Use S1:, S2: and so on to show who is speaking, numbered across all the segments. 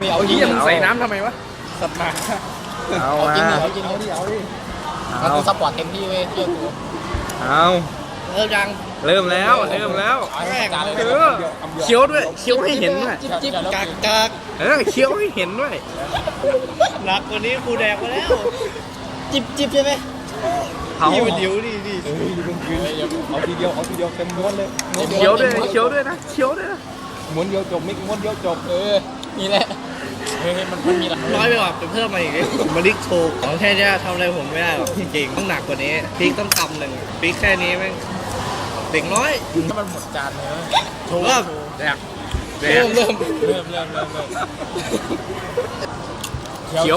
S1: เอาจริงมึงใส่น้ำทำไมวะสัตว์มา
S2: เอามา
S1: เอาจริงเอาดิมันกูซัพพอร์ตเต็มที่เว้ยเชื่อกู
S2: เอา
S1: เริ่มยัง
S2: เริ่มแล้ว
S1: แรก
S2: เคี้ยวด้วยเคี้ยวให้เห็นด้วย
S1: จิ๊บกาก
S2: เคี้ยวให้เห็นด้วย
S1: หนักกว่านี้กูแดกมาแล้วจิบใช่ไหมพี่มันเดี๋ยวดิ
S3: เอาทีเดียวเต็มม้วนเลย
S2: เคี้ยวด้วยนะเคี้ยวด้วยนะ
S3: ม้วนเดียวจบไม่ม้วนเดียวจบ
S1: นี่แหละมันมีหลักน้อยไปกว่าเพิ่มมาอีกมาลิกโชว์ของแค่นี้ทำอะไรผมไม่ได้หรอกจริงต้องหนักกว่านี้พริกต้องทำหนึ่งพริกแค่นี้แม่งเด็กน้อย
S3: ถ้ามันหมดจานเลย
S1: โชว์เริ่มเ
S2: คี้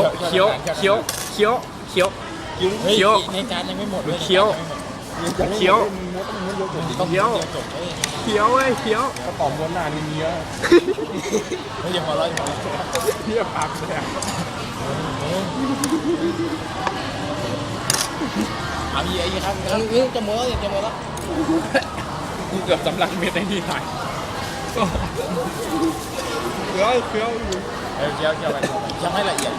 S2: ยว
S3: ในจานยังไม่หมดเลย
S2: เคี้ยว
S3: กระป๋องม้วนนานนี่เยอะไม่ยังพอร้อยเทียบปากเลยเอาอีกครับ
S1: จะหมดแล้ว
S3: เกือบสำลักเม็ดในนี่หน่อยเคี้ยวไปยังไม่ละเอียด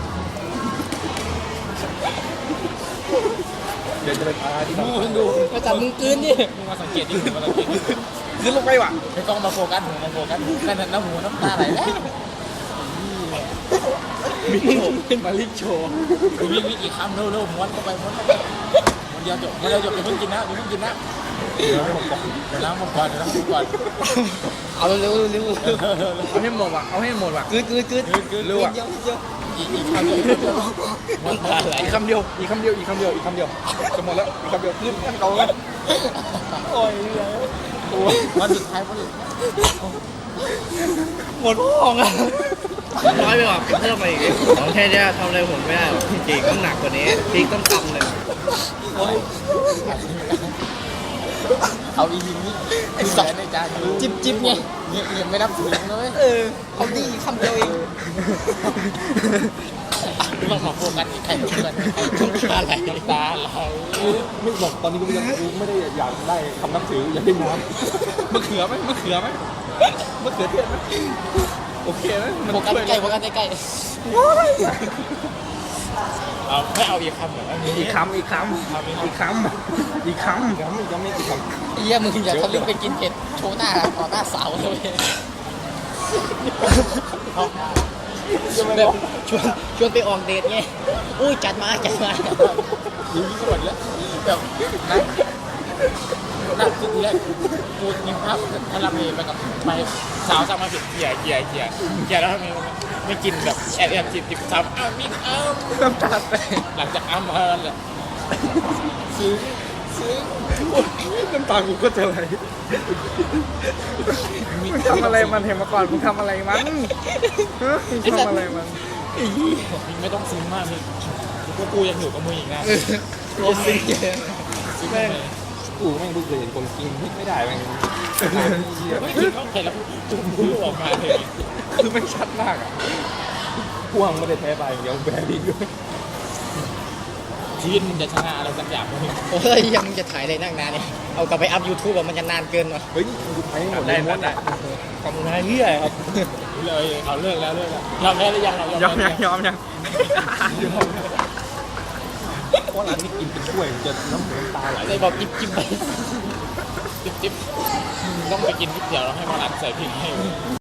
S3: เดี๋ยวจะไปพาที่
S1: ดูมาจับมึงกืนนี่
S3: มาสังเกตดิ
S2: ขึ้นลงไปว่ะ
S3: ไม่ต้องมาโฟกัสหูแค่นั้นน้ำตาไหลแล้ว
S2: มาลิกโชว์
S3: วิ่งอีกคำเร็วม้วนเข้าไปม้วนเดียวจบอย่าเพิ่งกินนะเดี๋ยวล้างมือก่อน
S1: เอาเร็ว
S2: เอาให้หมดว่ะ
S1: กืด
S2: เร็วอ่ะ
S3: อีกคำเดียว
S2: อีกคำเดียวจะหมดแล้วอีกคำเดียวขึ้นขั้นเก่าแล้ว
S3: โอ้ยวันสุดท้าย
S1: หมดห้องอ่ะน้อยไปกว่าเพิ่มมาอีกของแค่นี้ทำอะไรผมไม่ได้หรอกจริงต้องหนักกว่านี้พริกต้องทำหนึ่ง
S3: เอาอีกนี้ไอ้สองในจาน
S1: จิบไง
S3: ยังไม่นับถึงเลย
S1: เขาดีคำเดียวเอง
S3: ต้องมาโฟกัสใครอะไรตาไหลไม่บอกตอนนี้กูยังไม่ได้อยากได้คำนับถืออยากได้น้ำมะเขือเทศไหมโอเคไหม
S1: โฟกัสใกล้
S3: เอาไม่เอาอีกคำเหรอ
S2: อีกคำยังไม่กี่คำ
S1: เยี่ยมึงอย่าทะลึ่งไปกินเผ็ดโชว์หน้าต่อหน้าสาวเลยแบบชวนไปออกเดทไงอุ้ยจัดมา
S3: ยิ่งกว่าแล้วแบบนั่งทีแรกกูยิงภาพทาราเมไปกับไปสาวสั่งมาผิดเกียร์แล้วทำไมไม่กินแบบแอบจิบสาวมี
S2: น้ำตาแตก
S3: หลังจากมาแล้วแหละซื้อ
S2: น้ำตากูก็จะไหลทำอะไรมันเห็นมาก่อนมึงทำอะไรมันทำอะไรมัน
S3: ไม่ต้องซึ้งมากนี่กูยังอยู่กับมึงอีกนะ
S1: ตัวซึ้ง
S3: แม่งกูแม่งดูเคยเห็นคนกินไม่ได้แม่งไม่กินเขาเห็นแล้วจุ่มพูดออกมาเลย
S2: คือไม่ชัดมากอ่ะ
S3: พวงไม่ได้แพ้ไปเดี๋ยวแพ้ดีด้วยทีมจะชนะอะไรสักอย่างนึง
S1: ยังจะถ่ายอะไรนั่งนานเนี่ยเอากลับไปอัพ YouTube มันจะนานเกินว่ะ
S3: เฮ้ยกูถ่ายหมดได้
S1: ขอบคุณนะเฮียครับ
S3: เลยเขาเลิกแล้วยอมแพ้หรือยัง
S2: ยอมยัง
S3: เพราะร้านนี้กินเป็นถ้วยจะน้ำตาไหล
S1: เลยบอกจิบไป
S3: จิบต้องไปกินนิดเดียวแล้วให้มาร้านใส่พริกให้